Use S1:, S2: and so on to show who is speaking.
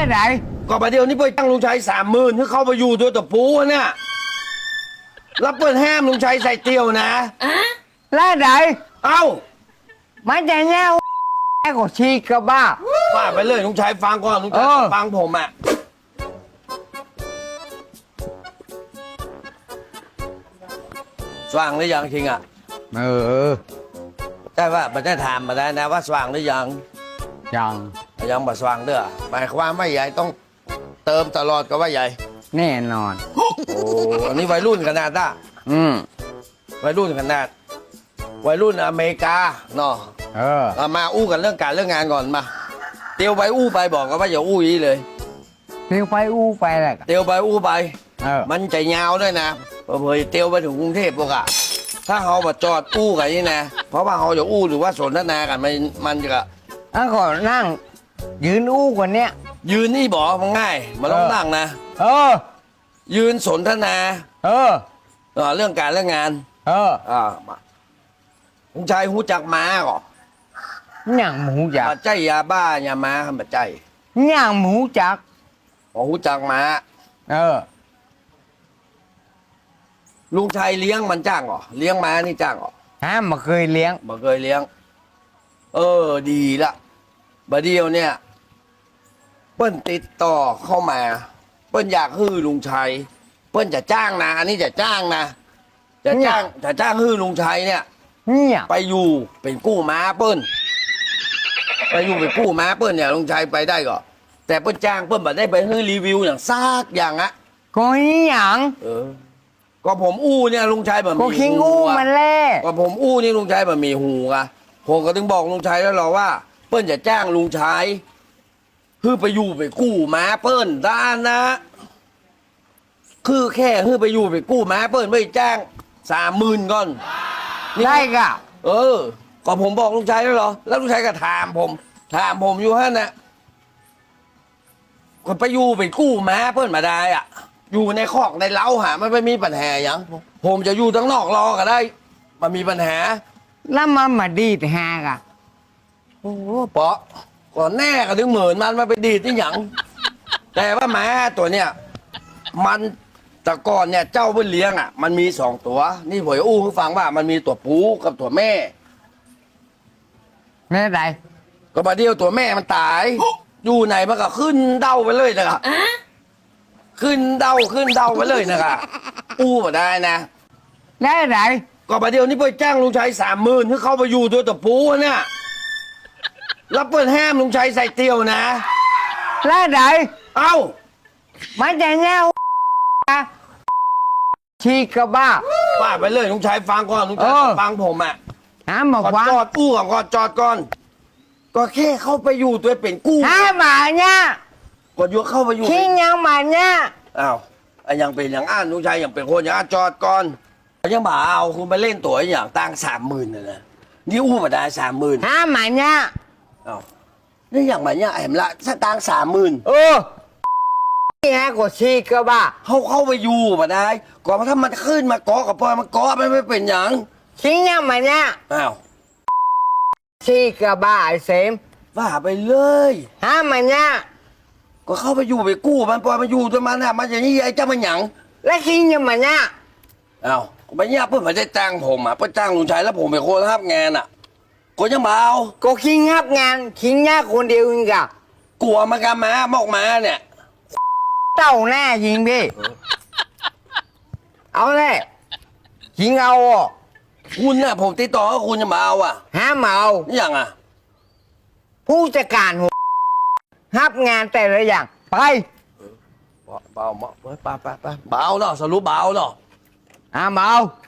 S1: ไหน
S2: ก็ประเดี๋ยวนี้ไปจ้างลุงชัย30,000ให้เข้าไปอยู่ตัวตะปูเนี่ยแล้วเปิดแห้มลุงชัยใส่เตียวนะ
S1: แล้วไหน
S2: เอ้า
S1: มันจะแน่แค่ก็ชีกระบ้า
S2: ว่าไปเลยลุงชัยฟังก่อนลุงชัยฟังผมอ่ะสว่างหรือยังจริงอ่ะแต่ว่าไม่ได้ถามมาได้นะว่าสว่างหรือยังยังบ่สว่างเด้อหมายความว่าใหญ่ต้องเติมตลอดก็ว่าใหญ่
S1: แน่นอน
S2: โอ้อันนี้วัยรุ่นขนาดน่ะวัยรุ่นขนาดวัยรุ่นอเมริกาเนาะมาอู้กันเรื่องการเรื่องงานก่อนมาเตียวไปอู้ไปบอกกันว่าอย่าอู้อีเลย
S1: เตียวไปอู้ไปแหละ
S2: เตียวไปอู้ไปมันใจยาวด้วยนะเผื่อเตียวไปถึงกรุงเทพพวกอะถ้าเขามาจอดอู้กันนี่นะเพราะว่าเขาจะอู้หรือว่าสนทนากันมันจะ
S1: ก่อนนั่งยืนอู้กว่านี้
S2: ยืนนี่บอกมันง่ายมันต้องนั่งนะยืนสนทนาเรื่องการเรื่องงานลุงชัยหูจักม้าก่อ
S1: อย่างหมูจัก
S2: ใจยาบ้ายาม้าคำบัดใจ
S1: อย่างหมูจัก
S2: หูจักม้าลุงชัยเลี้ยงมันจ้างเหรอเลี้ยงม้านี่จ้างเหรอ
S1: มาเคยเลี้ยง
S2: มาเคยเลี้ยงดีละบัดเดียวเนี่ยเปิ้นติดต่อเข้ามาเปิ้นอยากฮื้อลุงชัยเปิ้นจะจ้างนะอันนี้จะจ้างนะจะจ้างฮื้อลุงชัยเนี่ยไปอยู่เป็นกู้ม้าเปิ้นไปอยู่เป็นกู้ม้าเปิ้นเนี่ยลุงชัยไปได้ก็แต่เปิ้นจ้างเปิ้นแบบได้ไปฮื้อรีวิวอย่างซากอย่างอะ
S1: ก็อย่าง
S2: ก็ผมอู้เนี่ยลุงชัยแบบ
S1: ก็คิงอู้มันแล่
S2: ก็ผมอู้นี่ลุงชัยแบบมีหูอะผมก็ถึงบอกลุงชัยแล้วหรอว่าเปิ้นจะจ้างลุงชัยคือไปอยู่ไปกู้ม้าเปิ้นด้านนะคือแค่คือไปอยู่ไปกู้ม้าเปิ้นไม่จ้าง30,000ก่อน
S1: ได้กะ
S2: ก็ผมบอกลุงชัยแล้วเหรอแล้วลุงชัยก็ถามผมอยู่ฮะนะก็ไปอยู่ไปกู้ม้าเปิ้นมาได้อ่ะอยู่ในคอกในเล้าหามันไม่มีปัญหาอย่างผมจะอยู่ทั้งนอกรอก็ได้มันมีปัญหา
S1: แล้วมันมาดีดแฮกะ
S2: โอ้เปาะก่อนแน่ก็ถึง10,000มันมาไปดีดที่หยังแต่ว่าม้าตัวเนี้ยมันแต่ก่อนเนี่ยเจ้าเพิ่นเลี้ยงอ่ะมันมี2ตัวนี่ผมอู้ให้ฟังว่ามันมีตัวปูกับตัวแม่
S1: ไหน
S2: ก็มาเดียวตัวแม่มันตายอยู่ไหนมันก็ขึ้นเด้าไปเลยนะครับขึ้นเด้าไปเลยนะครับอู้มาได้นะ
S1: ไหน
S2: ก็มาเดียวนี่ไปจ้างลุงชัย30,000ให้เข้าไปอยู่ตัวตัวปูเนี่ยแล้วเปิดแห้มลุงชัยใส่เตียวนะ
S1: ไหน
S2: เอ้า
S1: มันจะแน่ชีกระบ้า
S2: ว่าไปเลยลุงชัยฟังก่อนลุงชัยฟังผมอ่ะ
S1: มาฟัง
S2: จอดกู้ก่อนจอดก่อนก็แค่เข้าไปอยู่ตัวเป็นกู้
S1: มาเนี่ย
S2: ก็ยกเข้าไปอยู่
S1: ขี้ยังมาเนี่ย
S2: อ้าวยังเป็นอย่างอ้านลุงชัยยังเป็นคนอย่างจอดก่อนยังบ่าเอาคุณไปเล่นตัวอย่างตั้ง30,000นะนี่อู้มาได้30,000
S1: มาเนี่ย
S2: อ้าวนี่อย่างมาเนี่ยเห็นละถ้าตั้ง30,000
S1: นี่ฮะก็ชีกระบ้า
S2: เข้าไปอยู่มาได้ก่อนถ้ามันขึ้นมาเกาะกับปอยมันเกาะไม่เป็นอย่าง
S1: ขี้ยังมาเนี่ย
S2: อ้าว
S1: ชีกระบ้าไอ้เสม
S2: ว่าไปเลย
S1: มาเนี่ย
S2: ก็เข้าไปอยู่ไปกู้มันปล่อยมันอยู่ตัวมันอะมันอย่างนี้ไอ้เจ้ามันหยัง
S1: แล้วขี้ยังมาเนี่ย
S2: อ้าวไปเนี่ยเพื่อนมาได้จ้างผมอ่ะเพื่อจ้างลุงชัยแล้วผมเป็นคนรับงานอ่ะก็ยังเบา
S1: ก็ขี้งับงานขี้งับคนเดียวเองกะ
S2: กลัวมันกันมาหมอกมาเนี่ย
S1: เต้าแน่ยิงพี่เอาแน่ยิงเอา
S2: คุณน่ะผมติดต่อกับคุณจะมาเอาอ่ะ
S1: มาเอา
S2: อย่างอ่ะ
S1: ผู้จัดการหัวรับงานแต่ละอย่างไป
S2: เบาเบาเนาะสรุปเบาเนาะ
S1: มาเอา